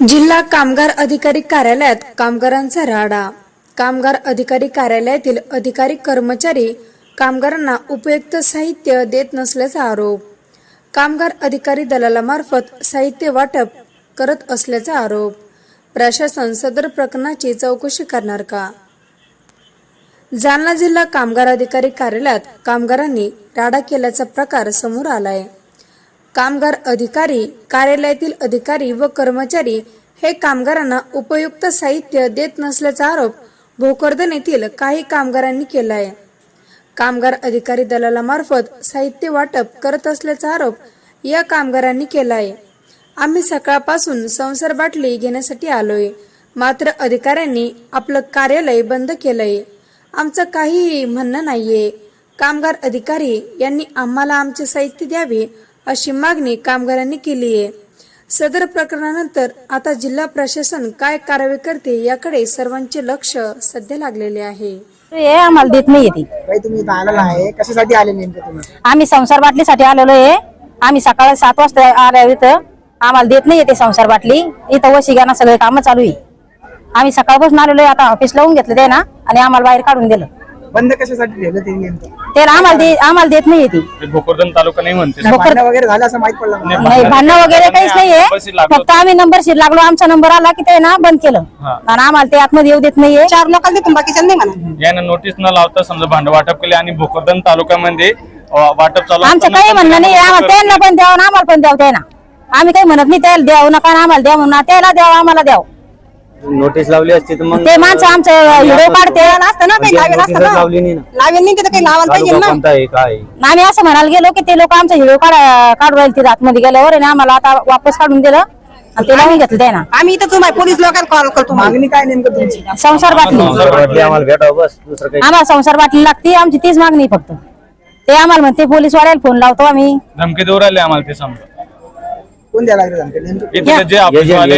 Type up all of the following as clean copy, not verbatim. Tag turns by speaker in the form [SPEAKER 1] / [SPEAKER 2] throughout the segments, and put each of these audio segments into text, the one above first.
[SPEAKER 1] जिल्हा कामगार अधिकारी कार्यालयात कामगारांचा राडा। कामगार अधिकारी कार्यालयातील अधिकारी कर्मचारी कामगारांना उपयुक्त साहित्य देत नसल्याचा आरोप। कामगार अधिकारी दलालामार्फत साहित्य वाटप करत असल्याचा आरोप। प्रशासन सदर प्रकरणाची चौकशी करणार का? जालना जिल्हा कामगार अधिकारी कार्यालयात कामगारांनी राडा केल्याचा प्रकार समोर आलाय। कामगार अधिकारी कार्यालयातील अधिकारी व कर्मचारी हे कामगारांना उपयुक्त साहित्य देत नसल्याचा आरोप भोकरदन येथील काही कामगारांनी केला आहे। कामगार अधिकारी दलालामार्फत साहित्य वाटप करत असल्याचा आरोप या कामगारांनी केला आहे। आम्ही सकाळपासून संसार बाटली घेण्यासाठी आलोय, मात्र अधिकाऱ्यांनी आपलं कार्यालय बंद केलंय। आमचं काहीही म्हणणं नाहीये। कामगार अधिकारी यांनी आम्हाला आमचे साहित्य द्यावे अशी मागणी कामगारांनी केली आहे। सदर प्रकरणानंतर आता जिल्हा प्रशासन काय कारवाई करते याकडे सर्वांचे लक्ष सध्या लागलेले आहे।
[SPEAKER 2] हे आम्हाला देत नाही ती
[SPEAKER 3] काही तुम्ही आलेला आहे, कशासाठी आले नेमके तुम्ही?
[SPEAKER 2] आम्ही संसार बाटलीसाठी आलेलो आहे। आम्ही सकाळी 7 वाजता आलो इथं, आम्हाला देत नाही ते संसार बाटली। इथं वशिगाना सगळे काम चालू आहे। आम्ही सकाळपासून आलेलो आहे, आता ऑफिस लावून घेतलं ते ना आणि आम्हाला बाहेर काढून दिलं।
[SPEAKER 3] बंद कशासाठी ठेवलं ते नेमकं?
[SPEAKER 2] ते आम्हाला देत नाही ती।
[SPEAKER 4] भोकरदन तालुका नाही म्हणते।
[SPEAKER 3] भांडण वगैरे झालं असं माहित पडलं का?
[SPEAKER 2] नाही, भांडण वगैरे काहीच नाहीये, फक्त आम्ही नंबरशीर लागलो, आमचा नंबर आला की ते ना बंद केलं आणि आम्हाला ते आतमध्ये येऊ देत नाहीये। 4 लोकांना देतो, बाकीच्या नाही म्हणा।
[SPEAKER 4] यानं नोटीस न लावता समजा भांड वाटप केले आणि भोकरदन तालुक्यामध्ये वाटप चालू।
[SPEAKER 2] आमचं काही म्हणणं नाही, आम्हाला त्यांना पण द्यावं ना आम्हाला पण द्यावं ते ना। आम्ही काही म्हणत नाही त्याला द्यावं नका, आम्हाला द्या म्हणून, त्याला द्यावं आम्हाला द्यावं।
[SPEAKER 5] नोटीस लावली असती तर मग
[SPEAKER 2] ते माणसं आमचं व्हिडिओ काढते असतं ना, काही लावेल असतं ना,
[SPEAKER 5] लावली नाही ना।
[SPEAKER 2] लावेल नाही तिथं काही लावायला पाहिजे ना।
[SPEAKER 5] कोणता आहे काय?
[SPEAKER 2] आम्ही असं म्हणायला गेलो की ते लोक आमचा व्हिडिओ काढू राहिले तिथे आतमध्ये गेल्यावर आणि आम्हाला आता वापस काढून दिलं आणि ते लावून घेतलं ते ना।
[SPEAKER 3] आम्ही इथं तुम्हाला पोलीस लोकांना कॉल करतो। मागणी काय नेमकं तुमची?
[SPEAKER 2] संसार बाटली
[SPEAKER 5] आम्हाला भेटावं बस, दुसरं काही
[SPEAKER 2] आम्हाला संसार बाटली लागते, आमची तीच मागणी फक्त। ते आम्हाला म्हणते पोलीस वाल्याला फोन लावतो आम्ही,
[SPEAKER 4] धमकी देऊ राहिले आम्हाला ते समजा।
[SPEAKER 3] कोण द्यायला लागले धमकी नेमकं?
[SPEAKER 4] इथे जे ऑफिसवाले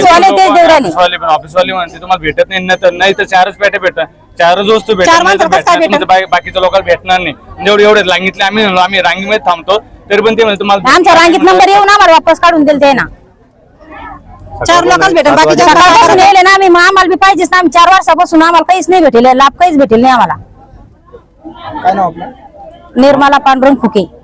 [SPEAKER 2] ते
[SPEAKER 4] ऑफिसवाले म्हणते तुम्हाला भेटत नाही तर 4च पेटे भेटतात, 4च वस्तू भेटत बाकीच्या लोकांना भेटणार नाही। एवढे सांगितले आम्ही रांगीमध्ये थांबतो तरी पण ते म्हणते तुम्हाला
[SPEAKER 2] आमच्या रांगीत नंबर येऊन आम्हाला वापस काढून दिल ते ना।
[SPEAKER 3] 4 लोकांना भेटत, बाकीच्या
[SPEAKER 2] सकाळपासून येले ना आम्ही, मग आम्हाला बी पाहिजेच ना। आम्ही 4 वर्षापासून आम्हाला काहीच नाही भेटेल, लाभ काहीच भेटेल नाही आम्हाला।
[SPEAKER 3] काय नाव आपलं?
[SPEAKER 2] निर्मला पांडुरंग फुके।